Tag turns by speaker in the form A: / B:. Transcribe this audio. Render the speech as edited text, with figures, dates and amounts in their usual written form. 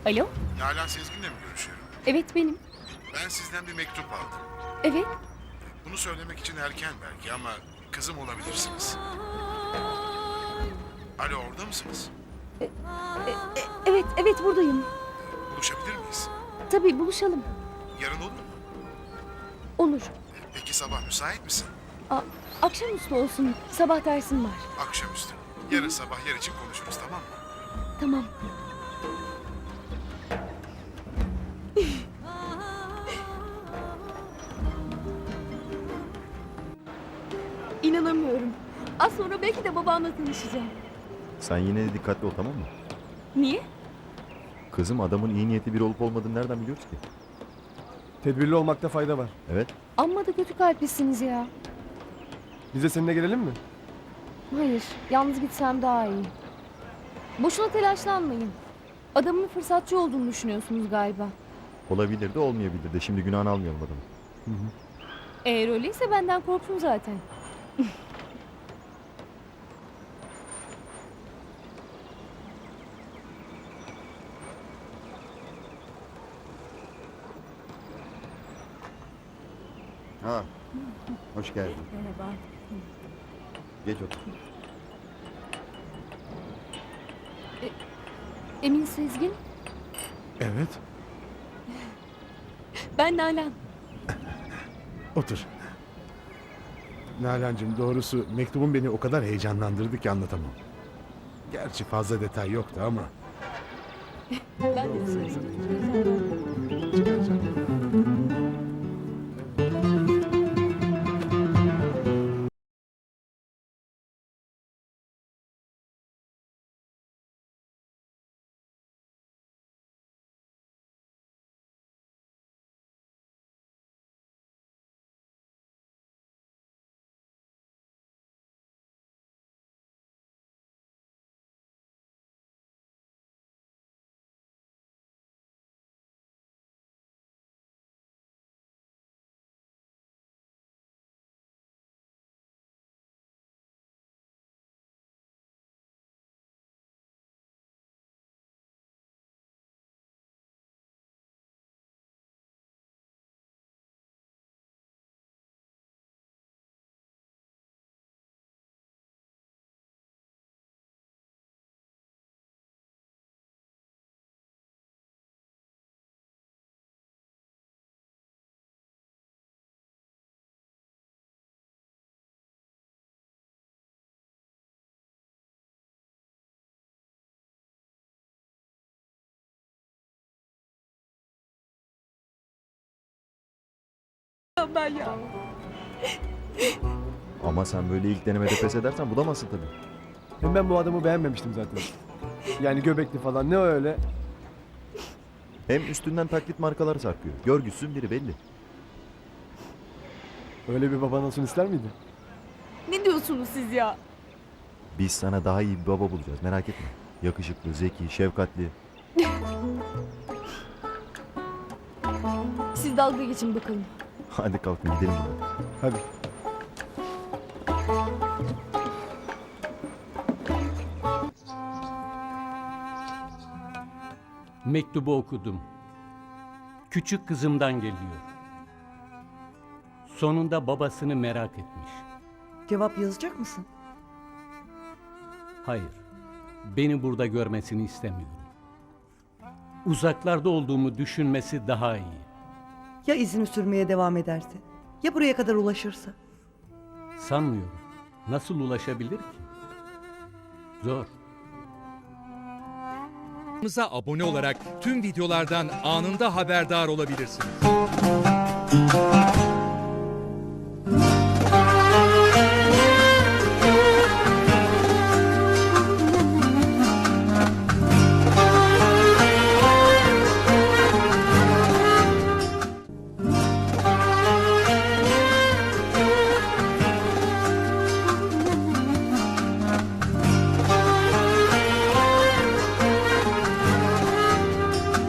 A: Alo?
B: Nalan Sezgin'le mi görüşüyorum?
A: Evet benim.
B: Ben sizden bir mektup aldım.
A: Evet.
B: Bunu söylemek için erken belki ama kızım olabilirsiniz. Alo, orada mısınız?
A: Evet buradayım.
B: Buluşabilir miyiz?
A: Tabii buluşalım.
B: Yarın olur mu?
A: Olur.
B: Peki sabah müsait misin?
A: Akşamüstü olsun. Sabah dersim var.
B: Akşamüstü. Yarın sabah yer için konuşuruz, tamam mı?
A: Tamam. İnanamıyorum. Az sonra belki de babamla tanışacağım.
C: Sen yine de dikkatli ol, tamam mı?
A: Niye?
C: Kızım, adamın iyi niyetli biri olup olmadığını nereden biliyoruz ki?
D: Tedbirli olmakta fayda var.
C: Evet.
A: Amma da kötü kalplisiniz ya.
D: Biz de seninle gelelim mi?
A: Hayır, yalnız gitsem daha iyi. Boşuna telaşlanmayın. Adamın fırsatçı olduğunu düşünüyorsunuz galiba.
C: Olabilir de olmayabilir de. Şimdi günahını almayalım adamı.
A: Eğer öyleyse benden korksun zaten.
E: Ha, hoş geldin.
A: Merhaba.
E: Geç otur.
A: Emin Sezgin,
F: Evet,
A: ben Nalan.
F: otur. Nalan'cığım, doğrusu mektubun beni o kadar heyecanlandırdı ki anlatamam. Gerçi fazla detay yoktu ama.
A: Ben de
F: Çıkaracağım.
A: ben ya.
C: Ama sen böyle ilk denemede pes edersen bulamazsın tabii.
D: Hem ben bu adamı beğenmemiştim zaten. Yani göbekli falan ne öyle?
C: Hem üstünden taklit markalar sarkıyor. Görgüsüzün biri belli.
D: Öyle bir baban olsun ister miydin?
A: Ne diyorsunuz siz ya?
C: Biz sana daha iyi bir baba bulacağız, merak etme. Yakışıklı, zeki, şefkatli.
A: Siz dalga geçin bakalım.
C: Hadi kalkın gidelim buradan.
D: Hadi.
G: Mektubu okudum. Küçük kızımdan geliyor. Sonunda babasını merak etmiş.
H: Cevap yazacak mısın?
G: Hayır, beni burada görmesini istemiyorum. Uzaklarda olduğumu düşünmesi daha iyi.
H: Ya izini sürmeye devam ederse? Ya buraya kadar ulaşırsa?
G: Sanmıyorum. Nasıl ulaşabilir ki? Zor.
I: Kanalımıza abone olarak tüm videolardan anında haberdar olabilirsiniz.